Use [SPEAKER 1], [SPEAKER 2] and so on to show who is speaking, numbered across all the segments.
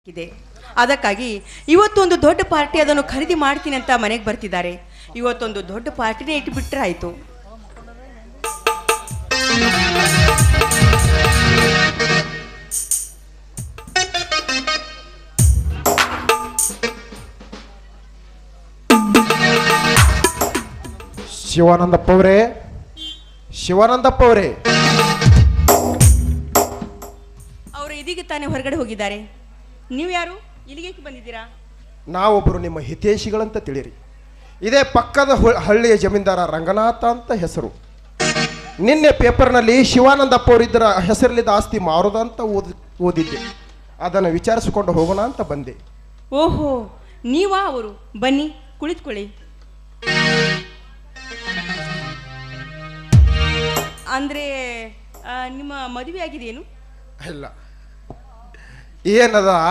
[SPEAKER 1] ಇದೆ. ಅದಕ್ಕಾಗಿ ಇವತ್ತೊಂದು ದೊಡ್ಡ ಪಾರ್ಟಿ ಅದನ್ನು ಖರೀದಿ ಮಾಡ್ತೀನಿ ಅಂತ ಮನೆಗೆ ಬರ್ತಿದ್ದಾರೆ. ಇವತ್ತೊಂದು ದೊಡ್ಡ ಪಾರ್ಟಿನೇ ಇಟ್ಟುಬಿಟ್ರೆ ಆಯಿತು.
[SPEAKER 2] ಶಿವಾನಂದಪ್ಪ ಅವರೇ
[SPEAKER 1] ಅವರು ಇದೀಗ ತಾನೇ ಹೊರಗಡೆ ಹೋಗಿದ್ದಾರೆ. ನೀವು ಯಾರು? ಇಲ್ಲಿಗೆ ಬಂದಿದ್ದೀರಾ?
[SPEAKER 2] ನಾವೊಬ್ಬರು ನಿಮ್ಮ ಹಿತೈಷಿಗಳಂತ ತಿಳಿರಿ. ಇದೇ ಪಕ್ಕದ ಹಳ್ಳಿಯ ಜಮೀನ್ದಾರ ರಂಗನಾಥ ಅಂತ ಹೆಸರು. ನಿನ್ನೆ ಪೇಪರ್ನಲ್ಲಿ ಶಿವಾನಂದಪ್ಪ ಅವರಿದ್ದರ ಹೆಸರಲ್ಲಿದ್ದ ಆಸ್ತಿ ಮಾರೋದಂತ ಓದಿದ್ದೆ. ಅದನ್ನು ವಿಚಾರಿಸಿಕೊಂಡು ಹೋಗೋಣ ಅಂತ ಬಂದೆ.
[SPEAKER 1] ಓಹೋ, ನೀವಾ ಅವರು? ಬನ್ನಿ, ಕುಳಿತುಕೊಳ್ಳಿ. ಅಂದರೆ ನಿಮ್ಮ ಮದುವೆ ಆಗಿದೆಯೇನು?
[SPEAKER 2] ಇಲ್ಲ, ಏನದ,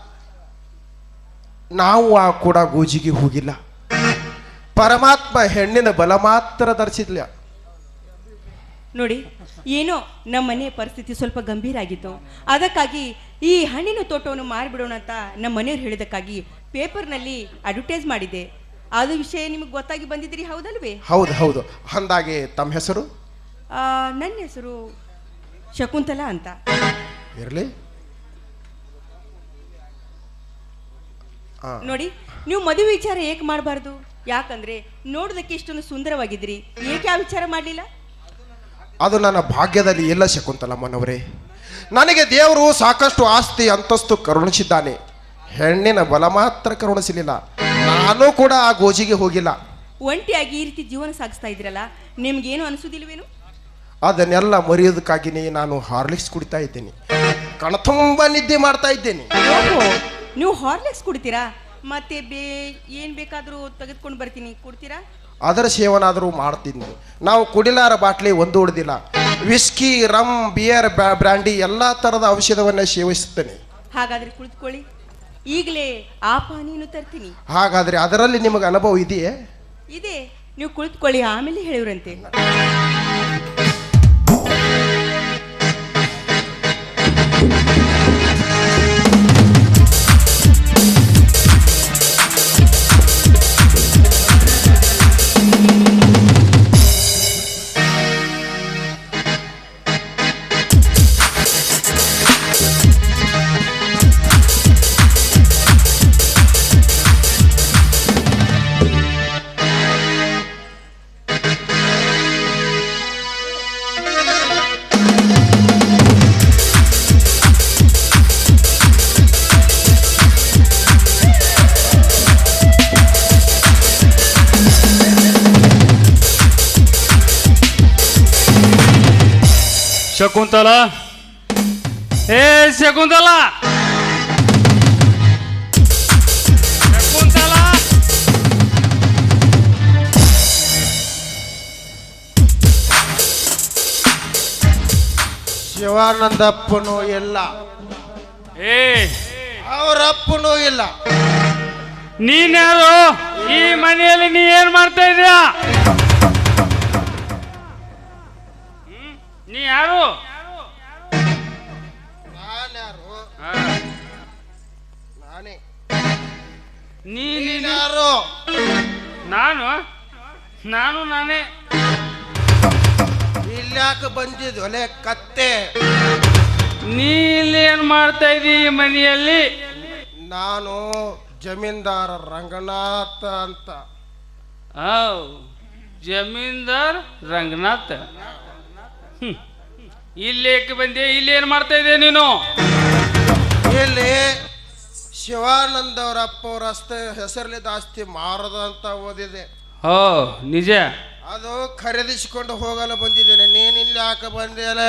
[SPEAKER 2] ನಾವು ಕೂಡ ಗೋಜಿಗೆ ಹೋಗಿಲ್ಲ. ಪರಮಾತ್ಮ ಹೆಣ್ಣಿನ ಬಲ ಮಾತ್ರ ಧರಿಸಿದ್ಲ.
[SPEAKER 1] ನೋಡಿ, ಏನೋ ನಮ್ಮ ಮನೆ ಪರಿಸ್ಥಿತಿ ಸ್ವಲ್ಪ ಗಂಭೀರ ಆಗಿತ್ತು. ಅದಕ್ಕಾಗಿ ಈ ಹಣ್ಣಿನ ತೋಟವನ್ನು ಮಾರಿಬಿಡೋಣ ಅಂತ ನಮ್ಮ ಮನೆಯವ್ರು ಹೇಳಿದಕ್ಕಾಗಿ ಪೇಪರ್ನಲ್ಲಿ ಅಡ್ವರ್ಟೈಸ್ ಮಾಡಿದ್ದೆ. ಅದು ವಿಷಯ ನಿಮಗೆ ಗೊತ್ತಾಗಿ ಬಂದಿದ್ದೀರಿ, ಹೌದಲ್ವೇ?
[SPEAKER 2] ಹೌದು. ಅಂದಾಗೆ ತಮ್ಮ ಹೆಸರು?
[SPEAKER 1] ನನ್ನ ಹೆಸರು ಶಕುಂತಲಾ ಅಂತ.
[SPEAKER 2] ಇರಲಿ.
[SPEAKER 1] ನೋಡಿ, ನೀವು ಮದುವೆ ವಿಚಾರ ಏಕೆ ಮಾಡಬಾರ್ದು? ಯಾಕಂದ್ರೆ ನೋಡೋದಕ್ಕೆ ಇಷ್ಟೊಂದು ಸುಂದರವಾಗಿದ್ದೀರಿ, ಏಕೆ ಆ ವಿಚಾರ ಮಾಡಲಿಲ್ಲ?
[SPEAKER 2] ಅದು ನನ್ನ ಭಾಗ್ಯದಲ್ಲಿ ಇಲ್ಲ ಶಕುಂತಲಮ್ಮನವರೇ. ನನಗೆ ದೇವರು ಸಾಕಷ್ಟು ಆಸ್ತಿ ಅಂತಸ್ತು ಕರುಣಿಸಿದ್ದಾನೆ. ಹೆಣ್ಣಿನ ಬಲ ಮಾತ್ರ ಕರುಣಿಸಲಿಲ್ಲ. ನಾನು ಕೂಡ ಆ ಗೋಜಿಗೆ ಹೋಗಿಲ್ಲ.
[SPEAKER 1] ಒಂಟಿಯಾಗಿ ಈ ರೀತಿ ಜೀವನ ಸಾಗಿಸ್ತಾ ಇದ್ರಲ್ಲ, ನಿಮ್ಗೇನು ಅನಿಸೋದಿಲ್ವೇನು?
[SPEAKER 2] ಅದನ್ನೆಲ್ಲ ಮರೆಯೋದಕ್ಕಾಗಿಯೇ ನಾನು ಹಾರ್ಲಿಕ್ಸ್ ಕುಡಿತಾ ಇದ್ದೇನೆ. ಕಣತುಂಬ ನಿದ್ದೆ ಮಾಡ್ತಾ ಇದ್ದೇನೆ.
[SPEAKER 1] ನೀವು ಹಾರ್ಲಿಕ್ಸ್ ಕುಡಿತೀರಾ? ಮತ್ತೆ ಏನು ಬೇಕಾದರೂ ತೆಗೆದುಕೊಂಡು ಬರ್ತೀನಿ, ಕೊಡ್ತೀರಾ?
[SPEAKER 2] ಅದರ ಸೇವನಾದರೂ ಮಾಡ್ತೀನಿ. ನಾವು ಕುಡಿಲಾರ ಬಾಟ್ಲಿ ಒಂದು ಉಳಿದಿಲ್ಲ. ವಿಸ್ಕಿ, ರಮ್, ಬಿಯರ್, ಬ್ರ್ಯಾಂಡಿ ಎಲ್ಲ ಥರದ ಔಷಧವನ್ನು ಸೇವಿಸುತ್ತೇನೆ.
[SPEAKER 1] ಹಾಗಾದರೆ ಕುಳಿತುಕೊಳ್ಳಿ, ಈಗಲೇ ಆ ಪಾನೀಯನ್ನು ತರ್ತೀನಿ.
[SPEAKER 2] ಹಾಗಾದರೆ ಅದರಲ್ಲಿ ನಿಮಗೆ ಅನುಭವ ಇದೆಯೇ?
[SPEAKER 1] ಇದೆ, ನೀವು ಕುಳಿತುಕೊಳ್ಳಿ, ಆಮೇಲೆ ಹೇಳಿವ್ರಂತೆ.
[SPEAKER 3] ಶಕುಂತಲಾ, ಶಕುಂತಲಾ, ಶಕುಂತಲಾ,
[SPEAKER 2] ಶಿವಾನಂದಪ್ಪನೂ ಇಲ್ಲ, ಅವರಪ್ಪನೂ ಇಲ್ಲ.
[SPEAKER 3] ನೀನ್ಯಾರು? ಈ ಮನೆಯಲ್ಲಿ ನೀ ಏನ್ ಮಾಡ್ತಾ ಇದೀಯಾ? ನೀ ಯಾರು?
[SPEAKER 2] ನಾನೇ.
[SPEAKER 3] ನೀನ್ಯಾರು? ನಾನು ನಾನೇ.
[SPEAKER 2] ಇಲ್ಯಾಕೆ ಬಂದಿದ್ದು ಒಲೆ ಕತ್ತೆ?
[SPEAKER 3] ನೀ ಇಲ್ಲಿ ಏನ್ ಮಾಡ್ತಾ ಇದೀ ಈ ಮನೆಯಲ್ಲಿ?
[SPEAKER 2] ನಾನು ಜಮೀನ್ದಾರ ರಂಗನಾಥ ಅಂತ.
[SPEAKER 3] ಜಮೀನ್ದಾರ್ ರಂಗನಾಥ್. ಇಲ್ಲಿ ಏಕೆ ಬಂದೆ? ಇಲ್ಲಿ ಏನ್ ಮಾಡ್ತಾ ಇದ್ದೆ ನೀನು?
[SPEAKER 2] ಇಲ್ಲಿ ಶಿವಾನಂದ ಅವರ ಅಪ್ಪ ಅವರ ಹೆಸರಲ್ಲಿದ್ದ ಆಸ್ತಿ ಮಾರದ ಅಂತ ಓದಿದೆ.
[SPEAKER 3] ನಿಜ?
[SPEAKER 2] ಅದು ಖರೀದಿಸಿಕೊಂಡು ಹೋಗಲು ಬಂದಿದ್ದೇನೆ. ನೀನ್ ಇಲ್ಲಿ ಯಾಕೆ ಬಂದಿಯಲ್ಲ?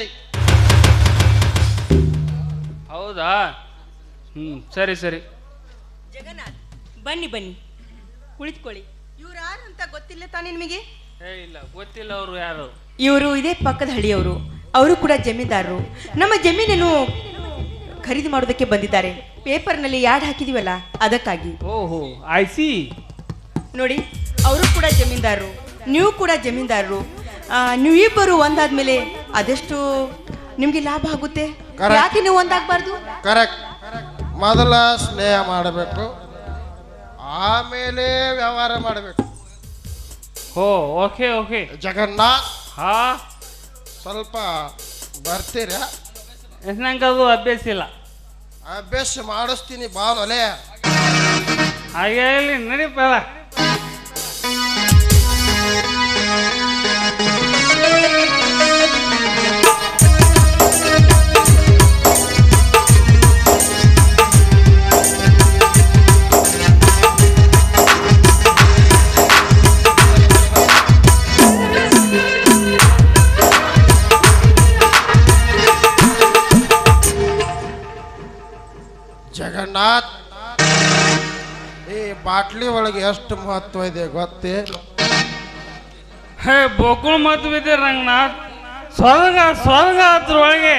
[SPEAKER 3] ಹೌದಾ? ಸರಿ.
[SPEAKER 1] ಜಗನ್ನಾಥ್, ಬನ್ನಿ ಕುಳಿತುಕೊಳ್ಳಿ. ಇವ್ರು ಯಾರು ಅಂತ ಗೊತ್ತಿಲ್ಲ ತಾನೇ ನಿಮಗೆ?
[SPEAKER 3] ಇಲ್ಲ, ಗೊತ್ತಿಲ್ಲ. ಅವರು ಯಾರು?
[SPEAKER 1] ಇವರು ಇದೇ ಪಕ್ಕದ ಹಳ್ಳಿಯವರು. ಅವರು ಕೂಡ ಜಮೀನ್ದಾರರು. ನಮ್ಮ ಜಮೀನನ್ನು ಖರೀದಿ ಮಾಡೋದಕ್ಕೆ ಬಂದಿದ್ದಾರೆ. ಪೇಪರ್ನಲ್ಲಿ ಯಾಡ್ ಹಾಕಿದೀವಲ್ಲ, ಅದಕ್ಕಾಗಿ.
[SPEAKER 3] ಓಹೋ, ಐ ಸಿ.
[SPEAKER 1] ನೋಡಿ, ಅವರು ಕೂಡ ಜಮೀನ್ದಾರರು, ನೀವು ಕೂಡ ಜಮೀನ್ದಾರರು. ನೀವಿಬ್ಬರು ಒಂದಾದ್ಮೇಲೆ ಅದೆಷ್ಟು ನಿಮ್ಗೆ ಲಾಭ ಆಗುತ್ತೆ. ಯಾಕೆ ನೀವು ಒಂದಾಗಬಾರ್ದು?
[SPEAKER 2] ಕರೆಕ್ಟ್. ಮೊದಲ ಸ್ನೇಹ ಮಾಡಬೇಕು, ಆಮೇಲೆ ವ್ಯವಹಾರ ಮಾಡಬೇಕು.
[SPEAKER 3] ಓ ಓಕೆ ಓಕೆ.
[SPEAKER 2] ಜಗನ್ನಾಥ್
[SPEAKER 3] ಹಾ,
[SPEAKER 2] ಸ್ವಲ್ಪ ಬರ್ತೀರಾ?
[SPEAKER 3] ನಂಗೆ ಅದು ಅಭ್ಯಾಸ ಇಲ್ಲ.
[SPEAKER 2] ಅಭ್ಯಾಸ ಮಾಡಿಸ್ತೀನಿ ಬಾನೊಲೆ.
[SPEAKER 3] ಹಾಗೆ ಇಲ್ಲಿ ನಡೀಪ.
[SPEAKER 2] ಜಗನ್ನಾಥ್, ಈ ಬಾಟ್ಲಿ ಒಳಗೆ ಎಷ್ಟು ಮಹತ್ವ ಇದೆ ಗೊತ್ತೇ?
[SPEAKER 3] ಹೇ ಬೋಕುಳ್ ಮತ್ ಬಿದ್ದೆ ರಂಗನಾಥ್. ಸ್ವರ್ಗ ಸ್ವರ್ಗ ಅದ್ರೊಳಗೆ.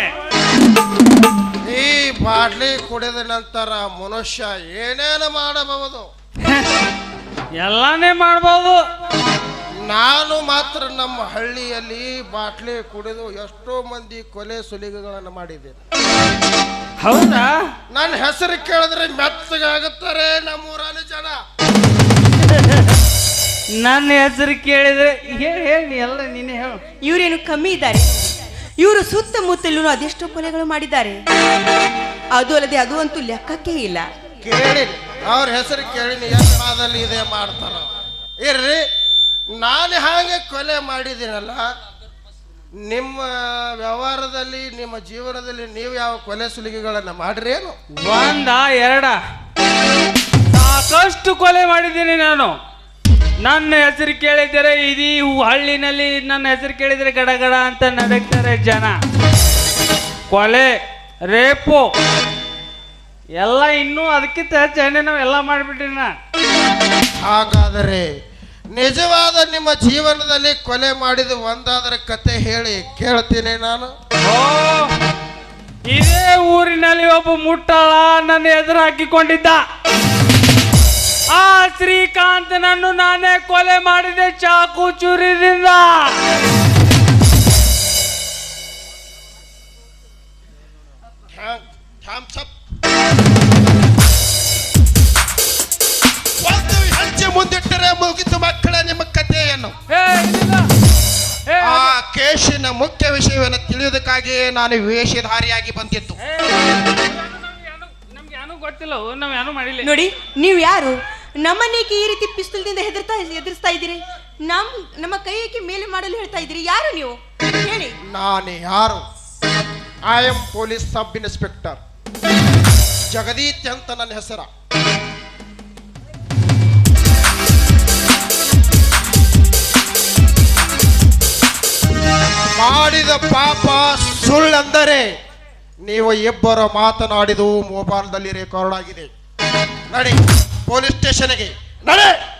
[SPEAKER 2] ಈ ಬಾಟ್ಲಿ ಕುಡಿದ ನಂತರ ಮನುಷ್ಯ ಏನೇನು ಮಾಡಬಹುದು?
[SPEAKER 3] ಎಲ್ಲಾನೇ ಮಾಡ್ಬೋದು.
[SPEAKER 2] ನಾನು ಮಾತ್ರ ನಮ್ಮ ಹಳ್ಳಿಯಲ್ಲಿ ಬಾಟ್ಲಿ ಕುಡಿದು ಎಷ್ಟೋ ಮಂದಿ ಕೊಲೆ ಸುಲಿಗೆಗಳನ್ನು ಮಾಡಿದ್ದೇನೆ.
[SPEAKER 3] ಹೌದಾ?
[SPEAKER 2] ನನ್ನ ಹೆಸರು ಕೇಳಿದ್ರೆ ಮೆತ್ತಗಾಗುತ್ತಾರೆ ನಮ್ಮೂರಲ್ಲಿ ಜನ.
[SPEAKER 3] ನನ್ನ ಹೆಸರು ಕೇಳಿದ್ರೆ ಹೇಳಿ ಹೇಳಿ ಎಲ್ಲ ನೀನೇ ಹೇಳು.
[SPEAKER 1] ಇವರೇನು ಕಮ್ಮಿ ಇದ್ದಾರೆ? ಇವರು ಸುತ್ತಮುತ್ತಲೂ ಅದೆಷ್ಟೋ ಕೊಲೆಗಳು ಮಾಡಿದ್ದಾರೆ. ಅದು ಅಲ್ಲದೆ ಅದು ಅಂತೂ ಲೆಕ್ಕಕ್ಕೆ ಇಲ್ಲ.
[SPEAKER 2] ಕೇಳಿ ಅವ್ರ ಹೆಸರು ಕೇಳಿನಿ, ಯತ್ನಾದಲ್ಲಿ ಇದೆ ಮಾಡ್ತಾರ. ಇರ್ರಿ, ನಾನು ಹಾಗೆ ಕೊಲೆ ಮಾಡಿದ್ದೀನಲ್ಲ, ನಿಮ್ಮ ವ್ಯವಹಾರದಲ್ಲಿ ನಿಮ್ಮ ಜೀವನದಲ್ಲಿ ನೀವು ಯಾವ ಕೊಲೆ ಸುಲಿಗೆಗಳನ್ನು ಮಾಡ್ರೇನು?
[SPEAKER 3] ಒಂದ ಎರಡ ಸಾಕಷ್ಟು ಕೊಲೆ ಮಾಡಿದ್ದೀನಿ ನಾನು. ನನ್ನ ಹೆಸರು ಕೇಳಿದರೆ ಇದೀ ಹಳ್ಳಿನಲ್ಲಿ ನನ್ನ ಹೆಸರು ಕೇಳಿದರೆ ಗಡಗಡ ಅಂತ ನಡಕ್ತಾರೆ ಜನ. ಕೊಲೆ, ರೇಪು ಎಲ್ಲ ಇನ್ನೂ ಅದಕ್ಕಿಂತ ಹೆಚ್ಚು ನಾವೆಲ್ಲ ಮಾಡಿಬಿಟ್ಟಿನ.
[SPEAKER 2] ಹಾಗಾದರೆ ನಿಜವಾದ ನಿಮ್ಮ ಜೀವನದಲ್ಲಿ ಕೊಲೆ ಮಾಡಿದ ಒಂದಾದ್ರ ಕತೆ ಹೇಳಿ ಕೇಳ್ತೀನಿ ನಾನು.
[SPEAKER 3] ಓ, ಇದೇ ಊರಿನಲ್ಲಿ ಒಬ್ಬ ಮುಟ್ಟಾಳ ನನ್ನ ಎದುರು ಹಾಕಿಕೊಂಡಿದ್ದ. ಆ ಶ್ರೀಕಾಂತನನ್ನು ನಾನೇ ಕೊಲೆ ಮಾಡಿದೆ ಚಾಕು ಚೂರಿದಿಂದ.
[SPEAKER 2] ಒಂದು ಹೆಜ್ಜೆ ಮುಂದಿಟ್ಟರೆ ಮುಗಿತು ಮಕ್ಕಳ ನಿಮ್ಮ ಕಥೆಯನ್ನು. ಆ ಕೇಶಿನ ಮುಖ್ಯ ವಿಷಯವನ್ನು ತಿಳಿಯುವುದಕ್ಕಾಗಿಯೇ ನಾನು ವೇಷಧಾರಿಯಾಗಿ ಬಂದಿದ್ದು.
[SPEAKER 3] ನಮ್ಗೆ ಏನೂ ಗೊತ್ತಿಲ್ಲ, ನಾವ್ ಏನೂ ಮಾಡಿಲ್ಲ.
[SPEAKER 1] ನೋಡಿ, ನೀವು ಯಾರು? ನಮ್ಮನೇಕೆ ಈ ರೀತಿ ಪಿಸ್ತೂಲ್ದಿಂದ ಎದುರಿಸ್ತಾ ಇದ್ದೀರಿ? ನಮ್ಮ ಕೈಯಕ್ಕೆ ಮೇಲೆ ಮಾಡಲು ಹೇಳ್ತಾ ಇದ್ದೀರಿ. ಯಾರು ನೀವು ಹೇಳಿ?
[SPEAKER 2] ನಾನು ಯಾರು? I am police sub inspector Jagdeet ಅಂತ ನನ್ನ ಹೆಸರ. ಮಾಡಿದ ಪಾಪ ಸುಳ್ಳೆಂದರೆ ನೀವು ಇಬ್ಬರು ಮಾತನಾಡಿದು ಮೊಬೈಲ್ದಲ್ಲಿ ರೆಕಾರ್ಡ್ ಆಗಿದೆ. ನಡಿ ಪೊಲೀಸ್ ಸ್ಟೇಷನ್ಗೆ ನಡೆ.